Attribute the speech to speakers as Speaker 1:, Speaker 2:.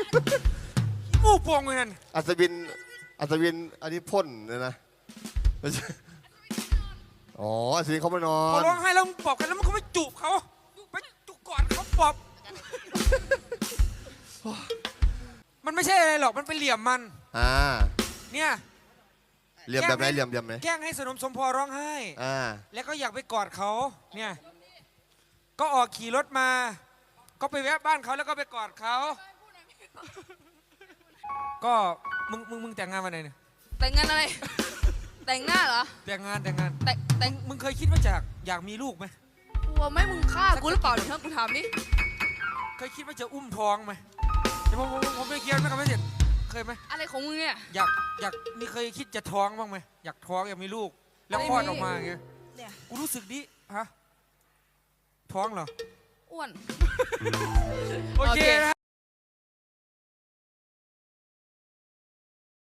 Speaker 1: มูกพวงเลยนั่น
Speaker 2: อัศวินอันนี้พ่นเลยนะอ๋ออัศวินเขาไม่นอ
Speaker 1: พอน ร้องไห้แล้วมึงปอบกันแล้วมันก็ไม่จูบเขาไปจูบก่อนเขาปอบมันไม่ใช่อะไรหรอกมันเป็นเหลี่ยมมันเนี่ย
Speaker 2: เหลี่ยมแบบไหนเหลี่ยมไหม
Speaker 1: แกล้งให้สนมสมพอร้องไห้แล้วก็อยากไปกอดเขาเนี่ยก็ออกขี่รถมาก็ไปแวะบ้านเขาแล้วก็ไปกอดเขาก็มึงแต่งงานวันไหนเนี่ย
Speaker 3: แต่งงานอะไรแต่งหน้าเหรอ
Speaker 1: แต่งงานมึงเคยคิดว่าอยากมีลูกไหม
Speaker 3: กลัวไม่มึงฆ่ากูหรือเปล่าเดี๋ยวกูถามดิ
Speaker 1: เคยคิดว่าจะอุ้มท้องไหมเดี๋ยวผมไม่เคียนไม่กับไม่เสร็จเคยไหม
Speaker 3: อะไรของมึงเนี่ย
Speaker 1: อยากมีเคยคิดจะท้องบ้างไหมอยากท้องอยากมีลูกแล้วคลอดออกมาอย่างเงี้ยกูรู้สึกดิฮะท้องเหรอ
Speaker 3: อ้วน
Speaker 1: โอเค